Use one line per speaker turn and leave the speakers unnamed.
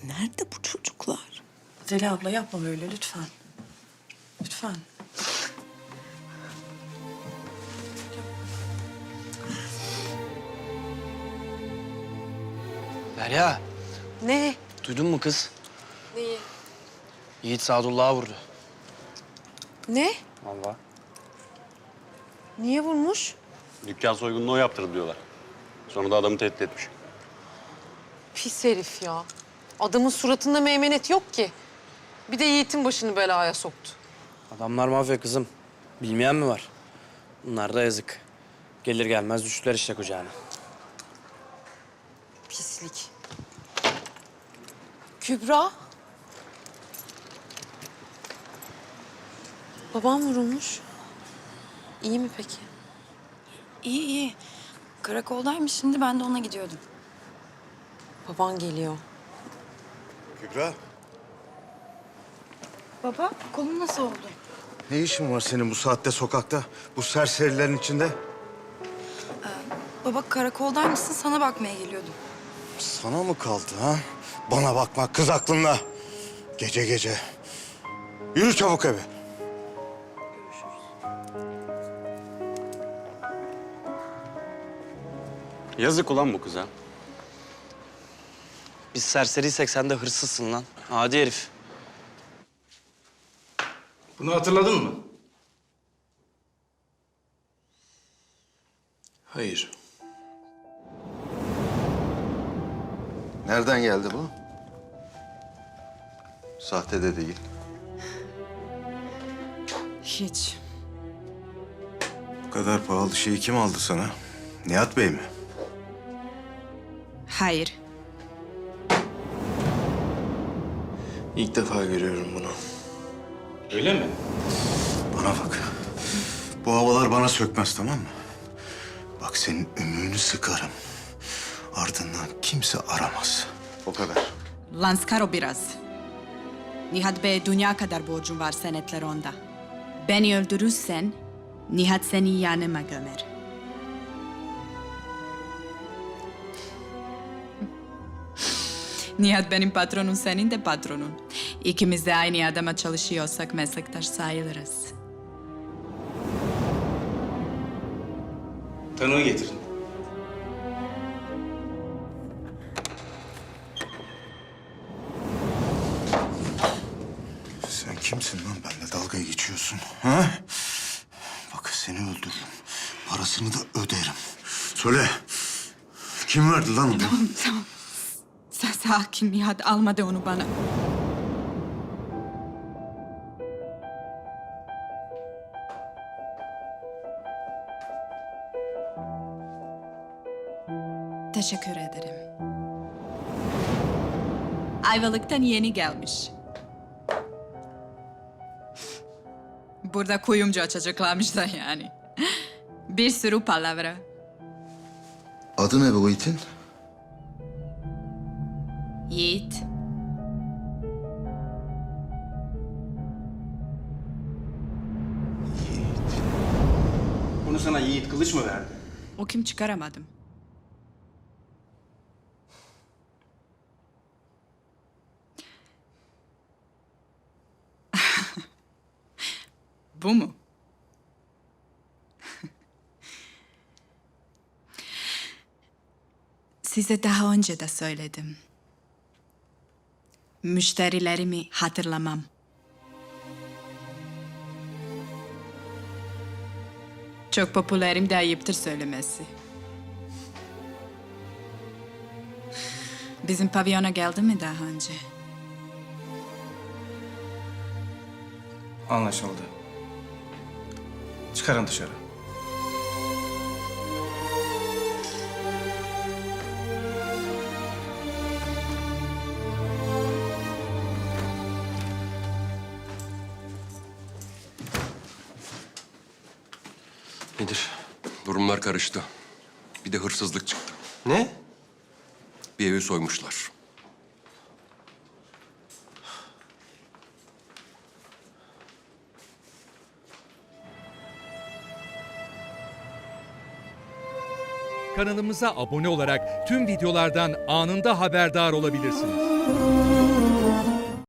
Nerede bu çocuklar?
Zeliha abla yapma böyle lütfen. Lütfen.
Derya,
Ne?
duydun mu kız?
Neyi?
Yiğit Sadullah'a vurdu.
Ne?
Vallahi.
Niye vurmuş?
Dükkan soygununu o yaptırdı diyorlar. Sonra da adamı tehdit etmiş.
Pis herif ya. Adamın suratında meymenet yok ki. Bir de Yiğit'in başını belaya soktu.
Adamlar mafya kızım. Bilmeyen mi var? Bunlar da yazık. Gelir gelmez düştüler işte kucağına.
Pislik. Kübra. Babam vurulmuş. İyi mi peki?
İyi iyi. Karakoldaymış şimdi ben de ona gidiyordum.
Baban geliyor.
Kübra,
Baba kolun nasıl oldu?
ne işin var senin bu saatte sokakta? Bu serserilerin içinde?
Baba karakoldaymışsın sana bakmaya geliyordum.
Sana mı kaldı ha? Bana bakma kız aklınla. Gece gece. Yürü çabuk eve.
Yazık ulan bu kıza.
Biz serseriysek sen de hırsızsın lan. Adi herif.
Bunu hatırladın mı? Hayır.
Nereden geldi bu? Sahte de değil.
Hiç.
Bu kadar pahalı şeyi kim aldı sana? Nihat Bey mi?
Hayır.
İlk defa görüyorum bunu. Öyle mi?
Bana bak. Bu havalar bana sökmez tamam mı? Bak senin ümüğünü sıkarım. Ardından kimse aramaz. O kadar.
Lanskaro biraz. Nihat Bey dünya kadar borcum var senetler onda. Beni öldürürsen Nihat seni yanıma gömer. Nihat benim patronum, senin de patronun. İkimiz de aynı adama çalışıyorsak meslektaş sayılırız.
Tanığı getirin.
Sen kimsin lan benimle dalga geçiyorsun? Ha? Bak seni öldürürüm. Parasını da öderim. Söyle. Kim verdi lan onu?
Tamam. Sen sakin, Nihat almadı onu bana. Teşekkür ederim. Ayvalık'tan yeni gelmiş. Burada kuyumcu açacaklarmış da yani. Bir sürü palavra.
Adı ne bu itin?
Yiğit.
Bunu sana Yiğit Kılıç mı verdi?
O kim çıkaramadım. Bu mu? Size daha önce de söyledim. Müşterilerimi hatırlamam. Çok popülerim de ayıptır söylemesi. Bizim pavyona geldi mi daha önce?
Anlaşıldı. Çıkarın dışarı.
Nedir? Durumlar karıştı. Bir de hırsızlık çıktı.
Ne?
Bir evi soymuşlar.
Kanalımıza abone olarak tüm videolardan anında haberdar olabilirsiniz.